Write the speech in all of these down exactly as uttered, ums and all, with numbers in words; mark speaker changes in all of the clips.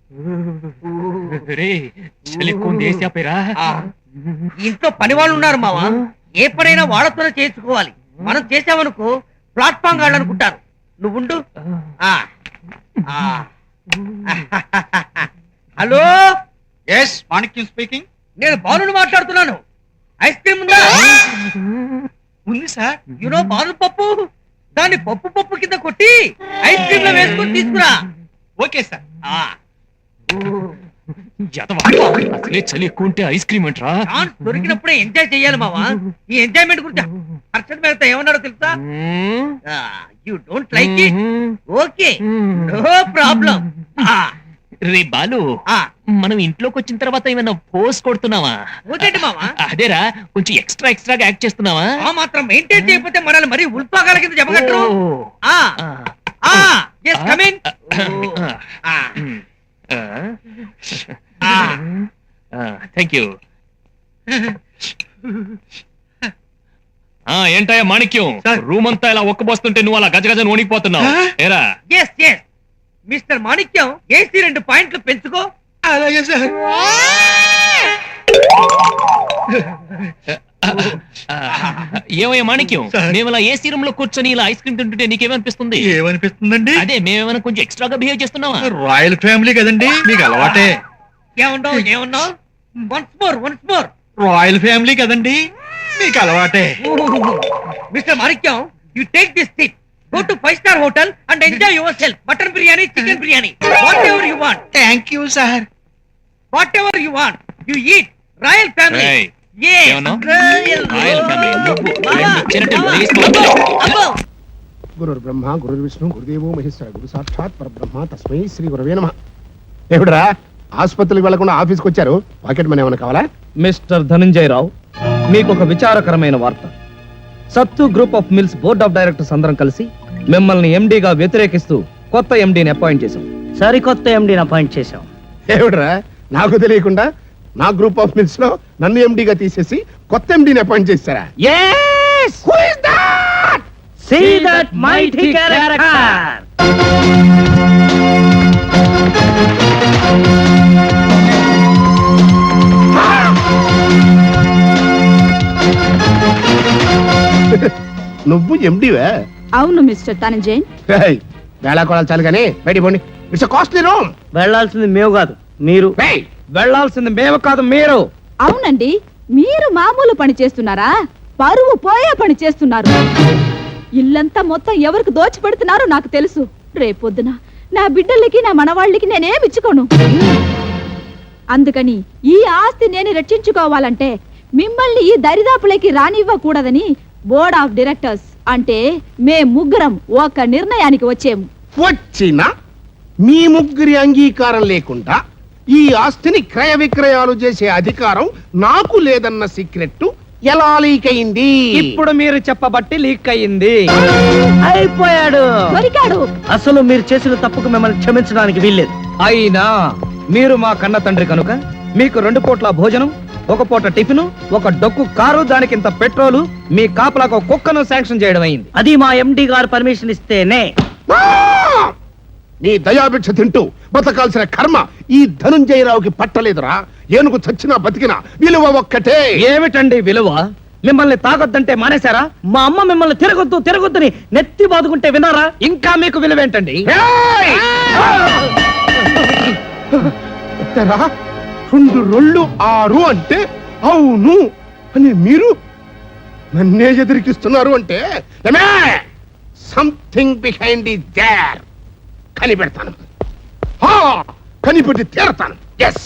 Speaker 1: ఇంట్లో పని వాళ్ళు ఉన్నారు మావా, ఏ పనైనా వాళ్ళతోనే చేసుకోవాలి. మనం చేసామనుకో ప్లాట్ఫామ్ గాళ్ళు అనుకుంటారు. నువ్వుండు. Hello,
Speaker 2: yes Manikyam speaking.
Speaker 1: నేను బాలుని మాట్లాడుతున్నాను. ఐస్ క్రీమ్ ఉందా?
Speaker 2: ఉంది సార్.
Speaker 1: యూనో బాలు పప్పు, దాన్ని పప్పు పప్పు కింద కొట్టి ఐస్ క్రీమ్ లో వేసుకొని తీసుకురా.
Speaker 2: Okay sir.
Speaker 3: అసలే చలి ఎక్కువ ఉంటే ఐస్ క్రీమ్ అంటరా?
Speaker 1: దొరికినప్పుడే ఎంజాయ్ చెయ్యాలి మావా. ఈ ఎంజాయ్మెంట్ గురించి హర్షద్ మేహతా ఏమన్నారో తెలుసా? You don't like it? Okay, no problem.
Speaker 3: రే బాలు, మనం ఇంట్లోకి వచ్చిన తర్వాత ఏమైనా పోస్ కొడుతున్నావా?
Speaker 1: ఓకేంటి మావా?
Speaker 3: అదేరా, కొంచెం ఎక్స్ట్రా ఎక్స్ట్రాగా యాక్ట్ చేస్తున్నావా?
Speaker 1: ఆ మాత్రం మెయింటైన్ చేయకపోతే మనల్ని మరీ ఉల్పాగాల కింద చెప్పగట్టరు.
Speaker 3: Thank you. ఏంటయ్యా మాణిక్యం, రూమ్ అంతా ఇలా ఒక్కబోస్తుంటే నువ్వు అలా గజగజను వణికిపోతున్నావు. ఏరా?
Speaker 1: Yes yes mister Manikyam, AC రెండు పాయింట్లు పెంచుకో.
Speaker 2: అలాగే సార్.
Speaker 3: ఏమయ్యా మాణిక్యం, మేము ఇలా ఏసీ రూమ్ లో కూర్చొని ఇలా ఐస్ క్రీమ్ తింటుంటే నీకేమనిపిస్తుంది?
Speaker 2: ఏమనిపిస్తుందండి?
Speaker 3: అదే మేమేమైనా కొంచెం ఎక్స్ట్రాగా బిహేవ్ చేస్తున్నావా?
Speaker 2: రాయల్ ఫ్యామిలీ కదండి, మీకు అలవాటే.
Speaker 1: ఏమన్నావు ఏమన్నావు? Once more once more.
Speaker 2: Royal family కదండి, మీకు అలవాటే.
Speaker 1: Mister Manikyam, you take this tip. Go to five star hotel and enjoy yourself. Mutton biryani, chicken biryani, whatever you want.
Speaker 2: Thank you, sir.
Speaker 1: Whatever you want, you eat. Royal family.
Speaker 3: Hey.
Speaker 1: Yes.
Speaker 3: Royal, Royal family.
Speaker 4: గురు బ్రహ్మ గురు విష్ణు గురుదేవో మహేశ్వర గురు సాక్షాత్ పరబ్రహ్మ తస్మై శ్రీ గురవే నమః. ఏమిడ్రా ఆసుపత్రికి వెళ్లకుండా ఆఫీస్కి వచ్చారు? పాకెట్ మనీ ఏమైనా కావాలా?
Speaker 5: మిస్టర్ ధనంజయ రావు, మీకు ఒక విచారకరమైన వార్త. Sattu group of mills board of directors అందరం కలిసి మిమ్మల్ని ఎండీగా వ్యతిరేకిస్తూ కొత్త ఎండీని అపాయింట్ చేశాం.
Speaker 1: సరికొత్త ఎండీని అపాయింట్ చేశాం.
Speaker 4: ఏమిడ్రా నాకు తెలియకుండా నా గ్రూప్ ఆఫ్ మిల్స్ లో నన్ను ఎండీగా తీసేసి కొత్త ఎండీని అపాయింట్ చేశారా?
Speaker 1: Yes.
Speaker 4: Who is that?
Speaker 1: See that mighty character.
Speaker 4: నువ్వు ఎండీవే?
Speaker 6: అవును మిస్టర్ ధనంజయ్.
Speaker 4: వేళా కొడాలి చాలు కానీ బయట పోండి. It's costly room.
Speaker 1: వెళ్ళాల్సింది మేము కాదు మీరు.
Speaker 5: వెళ్ళాల్సింది మేము కాదు మీరు.
Speaker 6: అవునండి, మీరు మామూలు పని చేస్తున్నారా? పరువు పోయే పని చేస్తున్నారు. ఇల్లంతా మొత్తం ఎవరికి దోచి పెడుతున్నారో నాకు తెలుసు. రేపొద్దున నా బిడ్డలకి నా మనవాళ్ళకి నేనేమిచ్చుకోను. అందుకని ఈ ఆస్తి నేను రక్షించుకోవాలంటే మిమ్మల్ని ఈ దరిదాపులకి రానివ్వకూడదని బోర్డ్ ఆఫ్ డైరెక్టర్స్ అంటే మే ముగ్గురం ఒక నిర్ణయానికి వచ్చేము.
Speaker 4: వచ్చిన మీ ముగ్గురి అంగీకారం లేకుండా ఈ ఆస్తిని క్రయ విక్రయాలు చేసే అధికారం నాకు లేదన్న సీక్రెట్ ఎలా లీక్ అయింది?
Speaker 5: ఇప్పుడు మీరు చెప్పబట్టి లీక్ అయింది.
Speaker 1: అయిపోయాడు,
Speaker 6: దొరికాడు.
Speaker 1: అసలు మీరు చేసిన తప్పుకు మిమ్మల్ని క్షమించడానికి వీల్లేదు.
Speaker 5: అయినా మీరు మా కన్న తండ్రి కనుక మీకు రెండు పూట్ల భోజనం, ఒక పూట టిఫిన్, ఒక డొక్కు కారు, దానికి ఇంత పెట్రోలు, మీ కాపలాకు కుక్కను శాంక్షన్ చేయడం అయింది.
Speaker 1: అది మా ఎండి గారు పర్మిషన్ ఇస్తేనే.
Speaker 4: నీ దయాభిక్ష తింటూ బతకాల్సిన కర్మ ఈ ధనంజయరావుకి పట్టలేదురా. ఏనుగు చచ్చినా బతికినా విలువ ఒక్కటే.
Speaker 5: ఏమిటండి విలువ? మిమ్మల్ని తాగొద్దంటే మానేశారా? మా అమ్మ మిమ్మల్ని తిరగొద్దు తిరగొద్దని నెత్తి బాదుకుంటే వినారా? ఇంకా మీకు విలువేంటండి?
Speaker 4: రెండు రొళ్ళు ఆరు అంటే అవును అని మీరు నన్నే ఎదిరికిస్తున్నారు అంటే సంథింగ్ బిహైండ్ ఇట్ దేర్. కనిపెడతాను, కనిపెట్టి తీరతాను. ఎస్.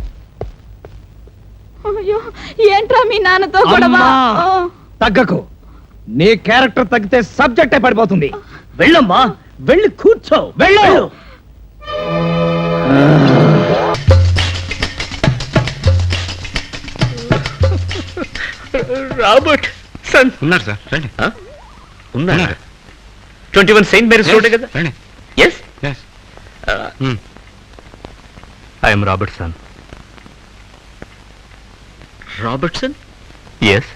Speaker 6: అయ్యో, ఏంట్రా మీ నాన్నతో గొడవ?
Speaker 5: తగ్గకు. నీ క్యారెక్టర్ తగ్గితే సబ్జెక్టే పడిపోతుంది.
Speaker 1: వెళ్ళమ్మా, వెళ్ళి కూర్చో. వెళ్ళు.
Speaker 3: రాబర్ట్ సన్
Speaker 2: ఉన్నారు సార్, రండి.
Speaker 3: ఉన్నారు. Twenty one saint Mary's road కదా?
Speaker 2: రండి.
Speaker 3: Yes. I'm Robertson. Robertson? Yes.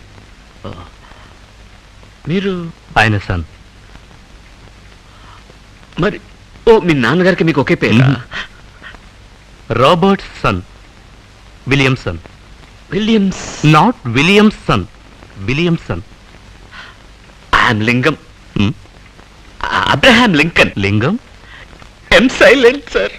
Speaker 3: మీరు ఆయన సన్. మరి ఓ మీ నాన్నగారికి మీకు ఒకే పేరు?
Speaker 7: Robert son Williamson.
Speaker 3: Williams.
Speaker 7: Not Williamson, Williamson.
Speaker 3: I'm Lingam. Abraham Lincoln.
Speaker 7: Lingam.
Speaker 3: M silent sir.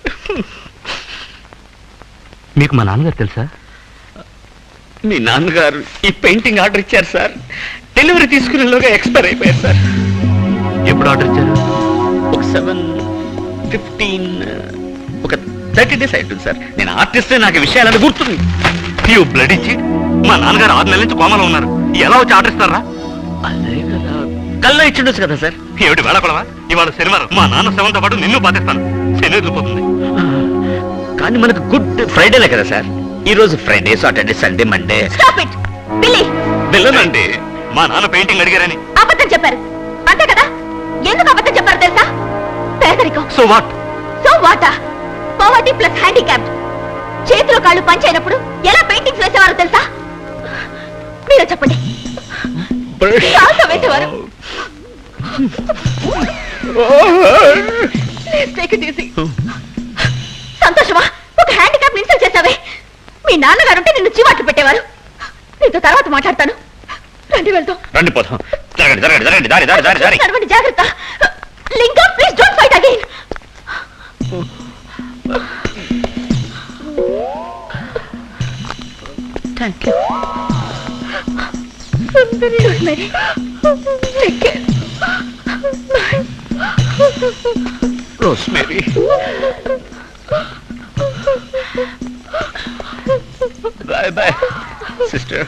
Speaker 7: మీకు మా నాన్నగారు తెలుసా?
Speaker 3: మీ నాన్నగారు ఈ పెయింటింగ్ ఆర్డర్ ఇచ్చారు సార్. డెలివరీ తీసుకునేలోగా ఎక్స్పైర్ అయిపోయారు సార్.
Speaker 7: ఎప్పుడు ఆర్డర్ ఇచ్చారు?
Speaker 3: ఒక సెవెన్ ఫిఫ్టీన్ ఒక థర్టీ డేస్ అవుతుంది సార్. నేను ఆర్టిస్ట్, నాకు ఈ విషయాలని గుర్తుంది.
Speaker 7: యూ బ్లడ్ ఇచ్చి మా నాన్నగారు ఆరు నెలల నుంచి కోమలో ఉన్నారు. ఎలా వచ్చి ఆర్డర్ ఇస్తారా?
Speaker 3: అదే కదా, కల్లో ఇచ్చిండొచ్చు కదా సార్.
Speaker 7: ఏమిటి వేళకొడవా? ఇవాళ శనివారం మా నాన్న శవంతో పాటు నిన్ను బాధిస్తాను. శని వదిలిపోతుంది.
Speaker 3: కానీ మనకు గుడ్ ఫ్రైడేలే కదా సార్. ఈ రోజు Friday, Saturday, Sunday, Monday.
Speaker 6: Stop it Billy.
Speaker 7: వెళ్ళనండి, మా నాన్న పెయింటింగ్ అడిగారని.
Speaker 6: అబద్ధం చెప్పారు అంతే కదా? ఎందుకు అబద్ధం చెప్పారు తెలుసా? పేదరికం.
Speaker 7: So what?
Speaker 6: సో వాటా? Poverty plus handicap. చేతులు కాళ్ళు పంచైనప్పుడు ఎలా పెయింటింగ్స్ వేసేవారో తెలుసా? మీరే చెప్పండి. చాలా వేసేవారు. Please take it easy. సంతోషమా? ఒక హ్యాండిక్యాప్ ఇన్సల్ట్ చేసావే. మీ నాన్నగారు ఉంటే నిన్ను చీవాట్లు పెట్టేవారు. నీతో తర్వాత మాట్లాడతాను. రండి వెళ్తాం.
Speaker 3: రండి పోతాం. జరగండి జరగండి జరగండి దారి దారి దారి దారి.
Speaker 6: నడవండి, జాగ్రత్త. Lingam, please don't fight again.
Speaker 3: Thank you.
Speaker 6: Rosemary, take care.
Speaker 3: Rosemary. Bye bye sister.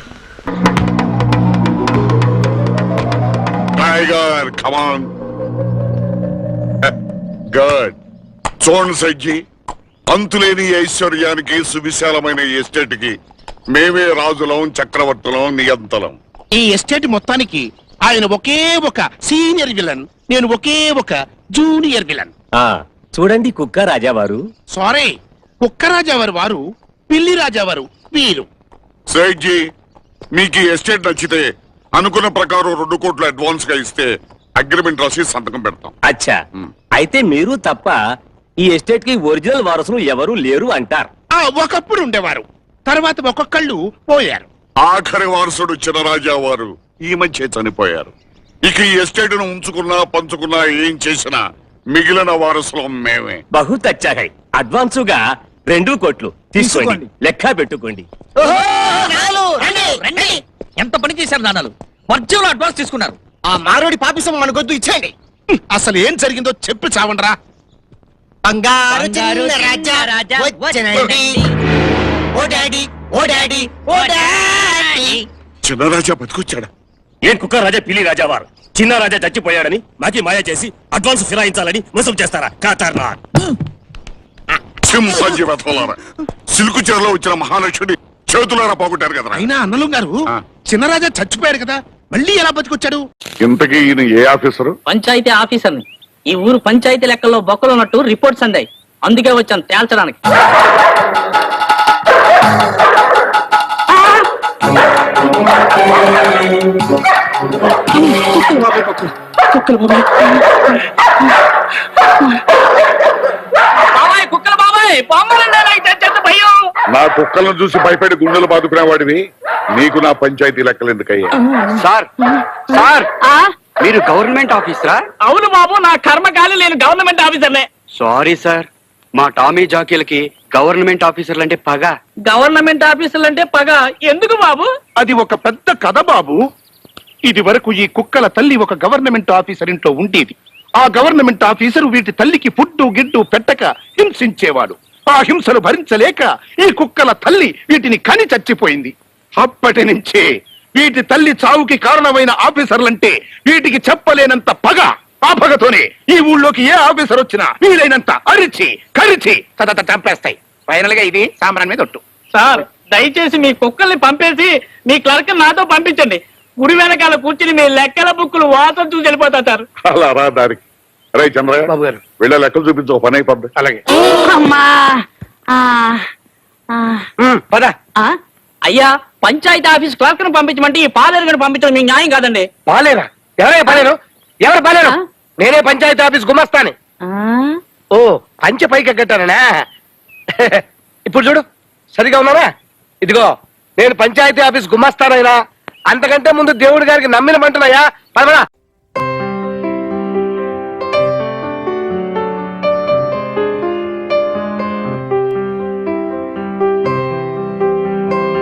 Speaker 8: Tiger come on. Good. చూడండి సజ్జి, అంతులేని ఐశ్వర్యానికి సువిశాలమైన ఎస్టేట్ కి మేమే రాజులం, చక్రవర్తులం, నియంతలం.
Speaker 4: ఈ ఎస్టేట్ మొత్తానికి ఆయన ఒకే ఒక సీనియర్ విలన్, నేను ఒకే ఒక జూనియర్ విలన్.
Speaker 9: చూడండి కుక్క రాజావారు.
Speaker 4: సారీ, కుక్కరాజావారు వారు, పిల్లి రాజావారు వీరు.
Speaker 8: సజ్జి, మీకు ఈ ఎస్టేట్ నచ్చితే అనుకున్న ప్రకారం రెండు కోట్లు అడ్వాన్స్ గా ఇస్తే అగ్రిమెంట్ రాసి సంతకం పెడతాం.
Speaker 9: అచ్చా, అయితే మీరు తప్ప ఈ ఎస్టేట్ కి ఒరిజినల్ వారసులు ఎవరు లేరు అంటారు.
Speaker 4: ఆ ఒకప్పుడు ఉండేవారు, తర్వాత ఒక్కొక్కళ్ళు పోయారు.
Speaker 8: ఆఖరి వారసుడు చినరాజా వారు ఈ మధ్య చనిపోయారు. ఇక ఈ ఎస్టేట్ ను ఉంచుకున్నా పంచుకున్నా ఏం చేసినా మిగిలిన వారసులం మేమే.
Speaker 9: బహుత్ అచ్చా హై. అడ్వాన్సుగా రెండు కోట్లు తీసుకోండి, లెక్క పెట్టుకోండి.
Speaker 1: ఎంత పని చేశారు నాన్నలు? వర్జంలో అడ్వాన్స్ తీసుకున్నారు.
Speaker 4: ఆ మారోడి పాపిసం మనకొద్దు, ఇచ్చేయండి. అసలు ఏం జరిగిందో చెప్పి చావండ్రా. బంగారు చిన్న రాజా వచ్చెనండి. ఓ డాడీ, ఓ డాడీ, ఓ డాడీ.
Speaker 8: చినరాజా బతికొచ్చాడా?
Speaker 9: ఏం కుక్క రాజా పిల్లి రాజావారు చిన్న రాజా చచ్చిపోయాడని మాకి మాయ చేసి అడ్వాన్స్ ఫిరాయించాలని మోసం చేస్తారా? కాతారా
Speaker 8: సింహాజీ వెతలారా, సిల్కు చీరలో వచ్చిన మహాలక్ష్మి చేతులారా పోగొట్టారు కదా.
Speaker 4: అయినా అన్నలు గారు,
Speaker 8: ఆ.
Speaker 4: చిన్నరాజా చచ్చిపోయాడు కదా, మళ్ళీ ఎలా బతికొచ్చాడు?
Speaker 8: ఇంతకీ ఈయన ఏ ఆఫీసరు?
Speaker 10: పంచాయతీ ఆఫీసర్ని. ఈ ఊరు పంచాయతీ లెక్కల్లో బొక్కలున్నట్టు రిపోర్ట్స్ అందాయి. అందుకే వచ్చాను తేల్చడానికి. బాబాయ్, కుక్కలు బాబాయ్, భయం.
Speaker 8: నా కుక్కలను చూసి భయపడి గుండెలు బాదుకునే వాడివి నీకు నా పంచాయతీ లెక్కలు ఎందుకయ్యా?
Speaker 9: సార్ సార్ మీరు గవర్నమెంట్ ఆఫీసరా?
Speaker 10: అవును బాబు, నా కర్మకాలి నేను గవర్నమెంట్ ఆఫీసర్నే.
Speaker 9: సారీ సార్, మా టామీ జాకీలకి గవర్నమెంట్ ఆఫీసర్లు అంటే పగ.
Speaker 10: గవర్నమెంట్ ఆఫీసర్లు అంటే పగ ఎందుకు బాబు?
Speaker 4: అది ఒక పెద్ద కథ బాబు. ఇది వరకు ఈ కుక్కల తల్లి ఒక గవర్నమెంట్ ఆఫీసర్ ఇంట్లో ఉండేది. ఆ గవర్నమెంట్ ఆఫీసర్ వీటి తల్లికి ఫుడ్డు గిడ్డు పెట్టక హింసించేవాడు. ఆ హింసలు భరించలేక ఈ కుక్కల తల్లి వీటిని కని చచ్చిపోయింది. అప్పటి నుంచే వీటి తల్లి చావుకి కారణమైన ఆఫీసర్లంటే వీటికి చెప్పలేనంత పగ. ఆ పగతోనే ఈ ఊళ్ళోకి ఏ ఆఫీసర్ వచ్చినా వీలైనంత అరిచి కరిచి తదత చంపేస్తాయి. ఫైనల్ గా ఇది సాంబ్రాన్ మీద ఒట్టు.
Speaker 10: సార్, దయచేసి మీ కుక్కల్ని పంపేసి మీ క్లర్క్ నాతో పంపించండి. గుడి వెనకాల కూర్చుని మీ లెక్కల బుక్కులు వాతం చూసి వెళ్ళిపోతా సార్.
Speaker 8: అలా రా దారికి. అరే చంద్రయ్య బాబు గారు, వీళ్ళ లెక్కలు చూపించు, పని అయిపోద్ది.
Speaker 4: అలాగే
Speaker 9: పద.
Speaker 10: అయ్యా, పంచాయతీ ఆఫీస్ క్లర్క్ ను పంపించమంటే ఈ పాలేరు గని పంపించడం మీకు న్యాయం కాదండి.
Speaker 9: పాలేరా? ఎవరే పాలేరు? ఎవరు పాలేరు? నేనే పంచాయతీ ఆఫీస్ గుమస్తాని. ఓ, పంచ పైకి కట్టానా?
Speaker 10: ఇప్పుడు చూడు సరిగా ఉన్నానా? ఇదిగో నేను పంచాయతీ ఆఫీస్ గుమ్మస్తానైనా అంతకంటే ముందు దేవుడి గారికి నమ్మిన మంటనయ్యా పదమరా.